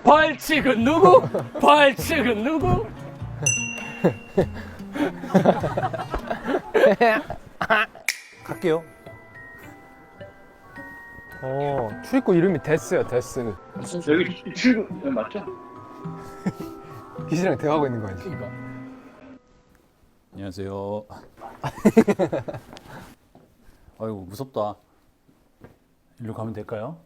벌칙은 누구? 벌칙은 누구? 갈게요. 출입구 이름이 데스요, 데스. 여기 출구 맞죠? 기시랑 대화하고 있는 거 아니지? 안녕하세요. 아이고 무섭다. 일로 가면 될까요?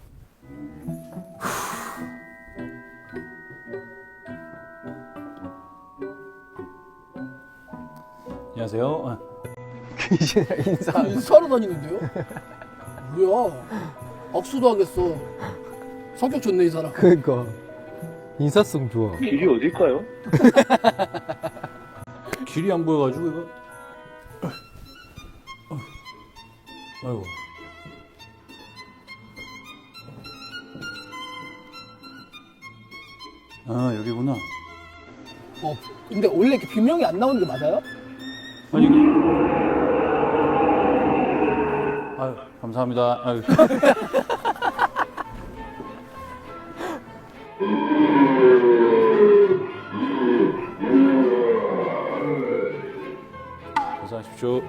안녕하세요. 기시랑 인사. 인사하러 다니는데요? 뭐야? 악수도 하겠어. 성격 좋네 이 사람. 그러니까 인사성 좋아. 길이 어딜까요? 길이 안 보여가지고 이거. 아이고. 아 여기구나. 근데 원래 이렇게 비명이 안 나오는 게 맞아요? 아니. 아유 감사합니다. 아유. 고생하십시오.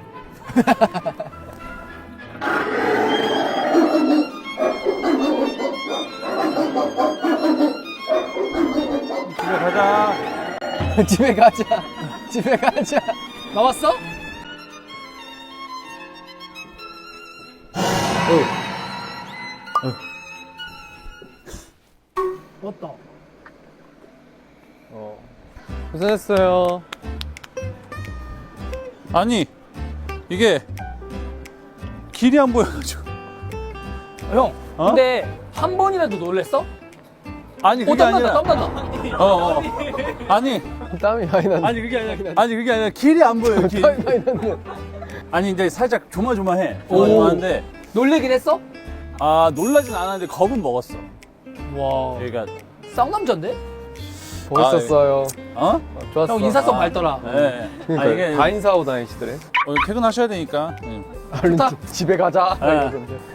집에 가자. 집에 가자. 집에 가자. 나왔어? 맞다. 고생했어요. 아니 이게 길이 안 보여가지고. 형, 어? 근데 한 번이라도 놀랬어? 아니 그게 땀난다, 아니라. 땀난다. 아니 땀이 많이 났네. 아니 그게 아니라. 아니 그게 아니라 길이 안 보여. 길. 땀이 많이 났네. 아니 이제 살짝 조마조마해. 조마조마한데 놀래긴 했어? 아 놀라진 않았는데 겁은 먹었어. 와, 그러니까 쌍남자인데? 멋있었어요. 어? 좋았어. 형 인사성 밝더라. 네. 그러니까 아 이게 다 인사하고 다니시더래. 퇴근하셔야 되니까. 네. 얼른 좋다. 집에 가자. 네. 이러던데.